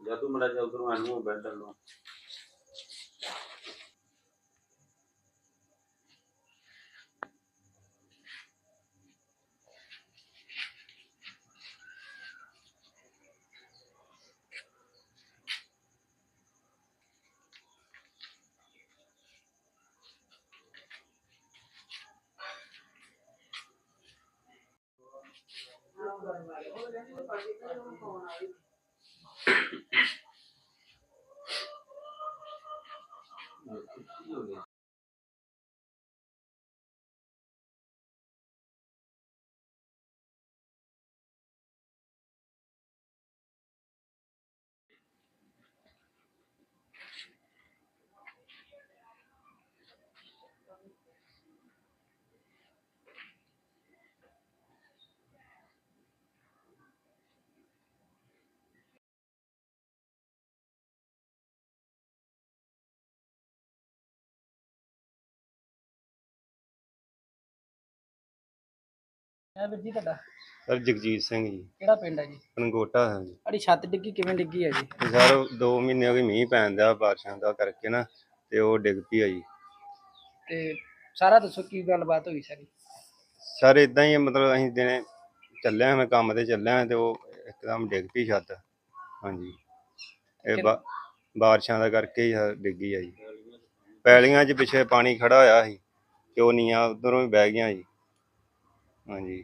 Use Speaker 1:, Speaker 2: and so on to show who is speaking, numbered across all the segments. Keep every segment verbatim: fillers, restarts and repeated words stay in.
Speaker 1: या तू मरा जा उधर आनू बैठ डाल लो।
Speaker 2: ਵੀਰ ਜੀ ਤੁਹਾਡਾ
Speaker 3: सर जगजीत सिंह जी
Speaker 2: ਕਿਹੜਾ ਪਿੰਡ ਹੈ ਜੀ?
Speaker 3: पनगोटा है जी।
Speaker 2: ਸਾਡੀ ਛੱਤ ਡਿੱਗੀ ਕਿਵੇਂ ਡਿੱਗੀ ਹੈ ਜੀ?
Speaker 3: सर दो महीने हो गए मीह पैन दिया बारिशों का करके ना ते वो डिग पई है जी।
Speaker 2: ਤੇ ਸਾਰਾ ਦੱਸੋ ਕੀ ਗੱਲਬਾਤ ਹੋਈ ਸਾਰੀ?
Speaker 3: सर इदां ही मतलब असीं दिने ਚੱਲਿਆ मैं काम ते ਚੱਲਿਆ ਤੇ ਉਹ ਇੱਕਦਮ ਡਿੱਗ ਪਈ ਛੱਤ। ਹਾਂਜੀ ਇਹ ਬਾ ਬਾਰਿਸ਼ਾਂ ਦਾ ਕਰਕੇ ਹੀ ਡਿੱਗੀ ਆ ਜੀ। ਪੈਲੀਆਂ 'ਚ ਪਿੱਛੇ ਪਾਣੀ ਖੜਾ ਹੋਇਆ ਸੀ ਤੇ ਉਹ ਨੀਆਂ ਉਧਰੋਂ ਵੀ ਬਹਿ ਗਈਆਂ ਜੀ। ਹਾਂਜੀ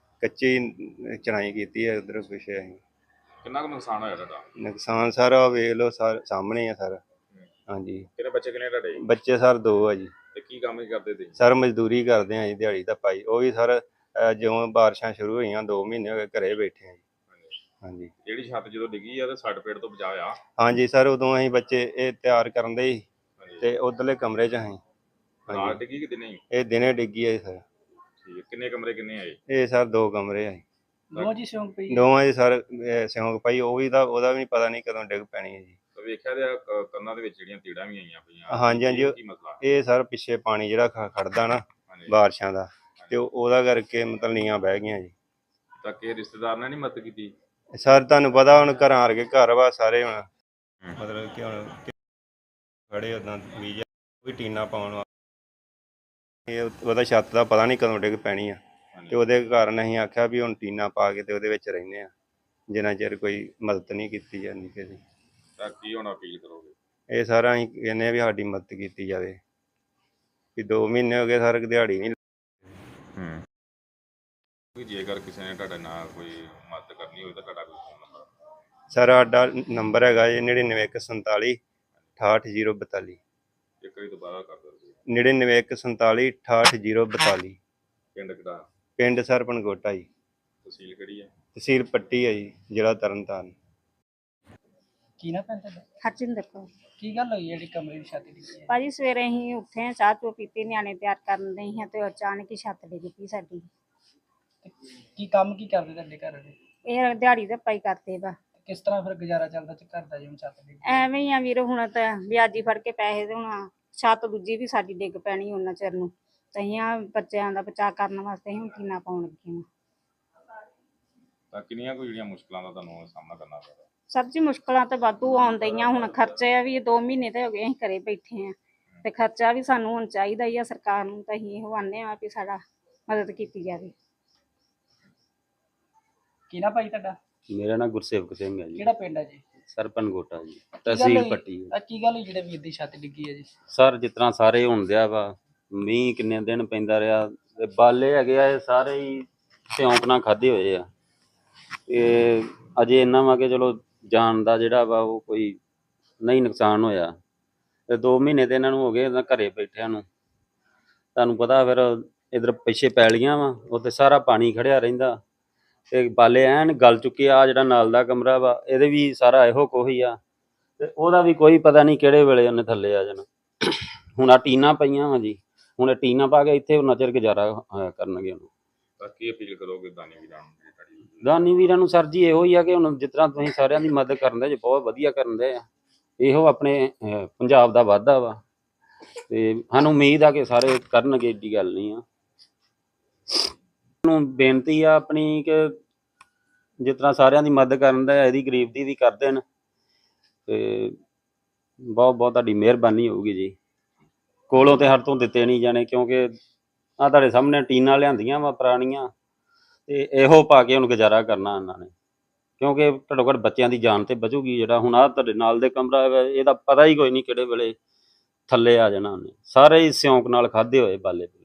Speaker 3: ਕੱਚੀ ਚਣਾਈ ਕੀਤੀ ਹੈ ਉਧਰ ਪਿੱਛੇ ਅਸੀਂ।
Speaker 4: ਕਿੰਨਾ ਕੁ ਨੁਕਸਾਨ ਹੋਇਆ ਤੁਹਾਡਾ?
Speaker 3: ਨੁਕਸਾਨ ਸਾਰਾ ਵੇਖ ਲਓ ਸਰ ਸਾਹਮਣੇ ਆ ਸਰ। ਹਾਂਜੀ
Speaker 4: ਕਿੰਨੇ ਬੱਚੇ ਕਿੰਨੇ ਤੁਹਾਡੇ?
Speaker 3: ਬੱਚੇ ਸਰ ਦੋ ਆ ਜੀ।
Speaker 4: ਤੇ ਕੀ ਕੰਮ ਹੀ ਕਰਦੇ ਤੁਸੀਂ?
Speaker 3: ਸਰ ਮਜ਼ਦੂਰੀ ਕਰਦੇ ਆ ਜੀ ਦਿਹਾੜੀ ਦਾ ਪਾਈ ਉਹ ਵੀ ਸਰ ਜਿਉਂ ਬਾਰਿਸ਼ਾਂ ਸ਼ੁਰੂ ਹੋਈਆਂ ਦੋ ਮਹੀਨੇ ਹੋ ਗਏ ਘਰੇ ਬੈਠੇ ਆ ਜੀ। ਹਾਂਜੀ
Speaker 4: ਜਿਹੜੀ ਛੱਤ ਜਦੋਂ ਡਿੱਗੀ ਆ ਤੇ ਸੱਟ ਪੇਟ ਤੋਂ ਬਚਾ ਆ?
Speaker 3: ਹਾਂਜੀ ਸਰ ਉਦੋਂ ਅਸੀਂ ਬੱਚੇ ਇਹ ਤਿਆਰ ਕਰਨ ਦੇ ਸੀ ਤੇ ਉਧਰਲੇ ਕਮਰੇ 'ਚ ਅਸੀਂ।
Speaker 4: ਰਾਤ ਡਿੱਗੀ ਕਿ ਦਿਨੇ?
Speaker 3: ਇਹ ਦਿਨੇ ਡਿੱਗੀ ਹੈ ਸਰ।
Speaker 4: ਠੀਕ ਕਿੰਨੇ ਕਮਰੇ ਕਿੰਨੇ ਆਏ?
Speaker 3: ਇਹ ਸਰ ਦੋ ਕਮਰੇ ਆ।
Speaker 2: ਦੋਵਾਂ ਜੀ ਸਿਉਂਕ ਪਈ?
Speaker 3: ਦੋਵਾਂ ਦੀ ਸਰ ਸਿਉਂਕ ਪਈ ਉਹ ਵੀ ਤਾਂ ਉਹਦਾ ਵੀ ਪਤਾ ਨਹੀਂ ਕਦੋਂ ਡਿੱਗ ਪੈਣੀ ਹੈ ਜੀ।
Speaker 4: ਵੇਖਿਆ ਤੇ ਕੰਨਾਂ ਦੇ ਵਿੱਚ ਜਿਹੜੀਆਂ ਤੀੜਾਂ ਵੀ ਆਈਆਂ ਪਈਆਂ।
Speaker 3: ਹਾਂਜੀ ਹਾਂਜੀ
Speaker 4: ਕੀ ਮਸਲਾ?
Speaker 3: ਇਹ ਸਰ ਪਿੱਛੇ ਪਾਣੀ ਜਿਹੜਾ ਖੜਦਾ ਨਾ ਬਾਰਿਸ਼ਾਂ ਦਾ ਤੇ ਉਹਦਾ ਕਰਕੇ ਮਤਲਬ ਨੀਆਂ ਬਹਿ ਗਈਆਂ ਜੀ।
Speaker 4: ਤਾਂ ਕਿ ਰਿਸ਼ਤੇਦਾਰ ਨੇ ਨਹੀਂ ਮਦਦ ਕੀਤੀ?
Speaker 3: ਸਰ ਤੁਹਾਨੂੰ ਪਤਾ ਹੁਣ ਘਰਾਂ ਆ ਕੇ ਘਰ ਵਾ ਸਾਰੇ ਹੁਣ ਮਤਲਬ ਕਿ ਹੁਣ ਖੜੇ ਉਦਾਂ ਬੀਜ ਵੀ ਟੀਨਾ ਪਾਉਣ ਵਾ ਇਹ ਉਹਦਾ ਛੱਤ ਦਾ ਪਤਾ ਨਹੀਂ ਕਦੋਂ ਡਿੱਗ ਪੈਣੀ ਆ ਤੇ ਉਹਦੇ ਕਾਰਨ ਅਸੀਂ ਆਖਿਆ ਵੀ ਹੁਣ ਟੀਨਾ ਪਾ ਕੇ ਤੇ ਉਹਦੇ ਵਿੱਚ ਰਹਿੰਦੇ ਆ ਜਿੰਨਾ ਚਿਰ ਕੋਈ ਮਦਦ ਨਹੀਂ ਕੀਤੀ ਜਾਂਦੀ ਕਿਸੇ।
Speaker 4: ਤਾਂ ਕੀ ਹੁਣ ਅਪੀਲ ਕਰੋਗੇ?
Speaker 3: ਇਹ ਸਾਰਾ ਅਸੀਂ ਕਹਿੰਦੇ ਆ ਵੀ ਸਾਡੀ ਮਦਦ ਕੀਤੀ ਜਾਵੇ ਵੀ ਦੋ ਮਹੀਨੇ ਹੋ ਗਏ ਸਰ ਦਿਹਾੜੀ ਨਹੀਂ।
Speaker 4: ਹੂੰ ਜੇਕਰ ਕਿਸੇ ਨੇ ਤੁਹਾਡੇ ਨਾਲ ਕੋਈ ਮਦਦ ਕਰਨੀ ਹੋਵੇ ਤਾਂ ਤੁਹਾਡਾ ਕੋਈ ਫੋਨ ਨੰਬਰ?
Speaker 3: ਸਰ ਸਾਡਾ ਨੰਬਰ ਹੈਗਾ ਜੀ ਨੜਿਨਵੇਂ ਇੱਕ ਸੰਤਾਲੀ ਅਠਾਹਠ ਜ਼ੀਰੋ ਬਤਾਲੀ।
Speaker 4: ਇੱਕ ਵਾਰੀ ਦੁਬਾਰਾ ਕਰ ਦਿਓ।
Speaker 3: ਨੜਿਨਵੇਂ ਇੱਕ ਸੰਤਾਲੀ ਅਠਾਹਠ ਜ਼ੀਰੋ ਬਤਾਲੀ।
Speaker 4: ਪਿੰਡ ਕਿਹੜਾ?
Speaker 3: ਪਿੰਡ ਸਰ ਪਨਗੋਟਾ ਜੀ।
Speaker 4: ਤਹਿਸੀਲ ਕਿਹੜੀ ਹੈ?
Speaker 3: ਤਹਿਸੀਲ ਪੱਟੀ ਹੈ ਜੀ ਜ਼ਿਲ੍ਹਾ ਤਰਨਤਾਰਨ।
Speaker 2: ਕੀ ਨਾ ਪੈਂਦਾ?
Speaker 5: ਹਰਜਿੰਦਰ ਕੌਰ।
Speaker 2: ਕੀ ਗੱਲ ਹੋਈ ਜਿਹੜੀ ਕਮਰੇ ਦੀ ਛੱਤ ਡਿੱਗੀ ਹੈ?
Speaker 5: ਭਾਜੀ ਸਵੇਰੇ ਅਸੀਂ ਉੱਠੇ ਚਾਹ ਚੋ ਪੀਤੀ ਨਿਆਣੇ ਤਿਆਰ ਕਰਨ ਦੇ ਸੀ ਤੇ ਅਚਾਨਕ ਹੀ ਛੱਤ ਡਿੱਗ ਪਈ ਸਾਡੀ।
Speaker 2: ਕੀ ਕੰਮ ਕੀ ਕਰਦੇ ਤੁਹਾਡੇ ਘਰ ਦੇ?
Speaker 5: ਇਹ ਦਿਹਾੜੀ ਦਾ ਪਾਈ ਕਰਦੇ ਵਾ।
Speaker 2: ਕਿਸ ਤਰ੍ਹਾਂ ਫਿਰ ਗੁਜ਼ਾਰਾ ਚੱਲਦਾ ਚ ਘਰ ਦਾ ਜਿਵੇਂ ਛੱਤ ਡਿੱਗੀ?
Speaker 5: ਐਵੇਂ ਹੀ ਆ ਵੀਰ ਹੁਣ ਤਾਂ ਵਿਆਜੀ ਫੜ ਕੇ ਪੈਸੇ ਤੇ ਹੁਣ ਛੱਤ ਦੂਜੀ ਵੀ ਸਾਡੀ ਡਿੱਗ ਪੈਣੀ ਉਹਨਾਂ ਚਿਰ ਨੂੰ ਤੇ ਅਸੀਂ ਆ ਬੱਚਿਆਂ ਦਾ ਬਚਾਅ ਕਰਨ ਵਾਸਤੇ ਅਸੀਂ ਟੀਨਾ ਪਾਉਣ ਲੱਗੇ ਹਾਂ।
Speaker 4: ਤਾਂ ਕਿੰਨੀਆਂ ਕੁ ਜਿਹੜੀਆਂ ਮੁਸ਼ਕਲਾਂ ਦਾ ਤੁਹਾਨੂੰ ਸਾਹਮਣਾ ਕਰਨਾ ਪਿਆ?
Speaker 5: ਸਭ ਜੀ ਮੁਸ਼ਕਲਾਂ ਤਾਂ ਵਾਧੂ ਆਉਂਦੀਆਂ ਹੁਣ ਖਰਚੇ ਆ ਵੀ ਦੋ ਮਹੀਨੇ ਤੇ ਹੋ ਗਏ ਅਸੀਂ ਘਰੇ ਬੈਠੇ ਆ ਤੇ ਖਰਚਾ ਵੀ ਸਾਨੂੰ ਹੁਣ ਚਾਹੀਦਾ ਹੀ ਆ ਸਰਕਾਰ ਨੂੰ ਤਾਂ ਅਸੀਂ ਇਹੋ ਆਨੇ ਆ ਵੀ ਸਾਡਾ ਮਦਦ ਕੀਤੀ ਜਾਵੇ।
Speaker 2: ਕੀ ਨਾ ਭਾਈ ਤੁਹਾਡਾ?
Speaker 1: ਮੇਰਾ ਨਾਮ ਗੁਰਸੇਵਕ ਸਿੰਘ ਹੈ ਜੀ।
Speaker 2: ਕਿਹੜਾ ਪਿੰਡ ਹੈ ਜੀ?
Speaker 1: ਸਰ ਪਨਗੋਟਾ ਜੀ ਤਹਿਸੀਲ ਪੱਟੀ।
Speaker 2: ਆ ਕੀ ਗੱਲ ਹੋਈ ਜਿਹੜੇ ਵੀਰ ਦੀ ਛੱਤ ਡਿੱਗੀ ਹੈ ਜੀ?
Speaker 1: ਸਰ ਜਿਸ ਤਰ੍ਹਾਂ ਸਾਰੇ ਹੁਣ ਦਿਆ ਵਾ ਮੀਂਹ ਕਿੰਨੇ ਦਿਨ ਪੈਂਦਾ ਰਿਹਾ ਤੇ ਬਾਲੇ ਹੈਗੇ ਆ ਇਹ ਸਾਰੇ ਹੀ ਸਿਉਂਕ ਨਾਲ ਖਾਧੇ ਹੋਏ ਆ ਤੇ ਅਜੇ ਇੰਨਾ ਵਾ ਕਿ ਚਲੋ ਜਾਨ ਦਾ ਜਿਹੜਾ ਵਾ ਉਹ ਕੋਈ ਨਹੀਂ ਨੁਕਸਾਨ ਹੋਇਆ ਤੇ ਦੋ ਮਹੀਨੇ ਤੇ ਇਹਨਾਂ ਨੂੰ ਹੋ ਗਏ ਘਰੇ ਬੈਠਿਆਂ ਨੂੰ। ਤੁਹਾਨੂੰ ਪਤਾ ਫਿਰ ਇੱਧਰ ਪਿੱਛੇ ਪੈਲੀਆਂ ਵਾ ਉੱਥੇ ਸਾਰਾ ਪਾਣੀ ਖੜਿਆ ਰਹਿੰਦਾ ਤੇ ਬਾਲੇ ਐਨ ਗਲ ਚੁੱਕੇ ਆ। ਜਿਹੜਾ ਨਾਲ ਦਾ ਕਮਰਾ ਵਾ ਇਹਦੇ ਵੀ ਸਾਰਾ ਇਹੋ ਕੁਛ ਆ ਤੇ ਉਹਦਾ ਵੀ ਕੋਈ ਪਤਾ ਨਹੀਂ ਕਿਹੜੇ ਵੇਲੇ ਉਹਨੇ ਥੱਲੇ ਆ ਜਾਣਾ। ਹੁਣ ਆ ਟੀਨਾਂ ਪਈਆਂ ਵਾ ਜੀ ਹੁਣ ਇਹ ਟੀਨਾਂ ਪਾ ਕੇ ਇੱਥੇ ਉਹਨਾਂ ਚਿਰ ਗੁਜ਼ਾਰਾ ਕਰਨਗੇ ਉਹਨੂੰ।
Speaker 4: ਤਾਂ ਕੀ ਅਪੀਲ ਕਰੋਗੇ ਦਾਨੀ ਵੀਰਾਂ ਨੂੰ?
Speaker 1: ਦਾਨੀ ਵੀਰਾਂ ਨੂੰ ਸਰ ਜੀ ਇਹੋ ਹੀ ਆ ਕਿ ਹੁਣ ਜਿਸ ਤਰ੍ਹਾਂ ਤੁਸੀਂ ਸਾਰਿਆਂ ਦੀ ਮਦਦ ਕਰਨ ਦੇ ਜੇ ਬਹੁਤ ਵਧੀਆ ਕਰਨ ਦੇ ਆ ਇਹੋ ਆਪਣੇ ਪੰਜਾਬ ਦਾ ਵਾਧਾ ਵਾ ਤੇ ਸਾਨੂੰ ਉਮੀਦ ਆ ਕਿ ਸਾਰੇ ਕਰਨਗੇ ਏਡੀ ਗੱਲ ਨਹੀਂ ਆ। ਨੂੰ ਬੇਨਤੀ ਆ ਆਪਣੀ ਕਿ ਜਿਸ ਤਰ੍ਹਾਂ ਸਾਰਿਆਂ ਦੀ ਮਦਦ ਕਰਨ ਦਾ ਇਹਦੀ ਗਰੀਬ ਦੀ ਵੀ ਕਰ ਦੇਣ ਤੇ ਬਹੁਤ ਬਹੁਤ ਤੁਹਾਡੀ ਮਿਹਰਬਾਨੀ ਹੋਊਗੀ ਜੀ। ਕੋਲੋਂ ਤੇ ਹਰ ਤੋਂ ਦਿੱਤੇ ਨਹੀਂ ਜਾਣੇ, ਕਿਉਂਕਿ ਆ ਤੁਹਾਡੇ ਸਾਹਮਣੇ ਟੀਨਾਂ ਲਿਆਂਦੀਆਂ ਵਾ ਪੁਰਾਣੀਆਂ, ਤੇ ਇਹੋ ਪਾ ਕੇ ਹੁਣ ਗੁਜ਼ਾਰਾ ਕਰਨਾ ਇਹਨਾਂ ਨੇ, ਕਿਉਂਕਿ ਘੱਟੋ ਘੱਟ ਬੱਚਿਆਂ ਦੀ ਜਾਨ ਤੇ ਬਚੂਗੀ। ਜਿਹੜਾ ਹੁਣ ਆ ਤੁਹਾਡੇ ਨਾਲ ਦੇ ਕਮਰਾ ਵਾ, ਇਹਦਾ ਪਤਾ ਹੀ ਕੋਈ ਨਹੀਂ ਕਿਹੜੇ ਵੇਲੇ ਥੱਲੇ ਆ ਜਾਣਾ ਉਹਨੇ। ਸਾਰੇ ਹੀ ਸਿਉਂਕ ਨਾਲ ਖਾਧੇ ਹੋਏ ਬਾਲੇ।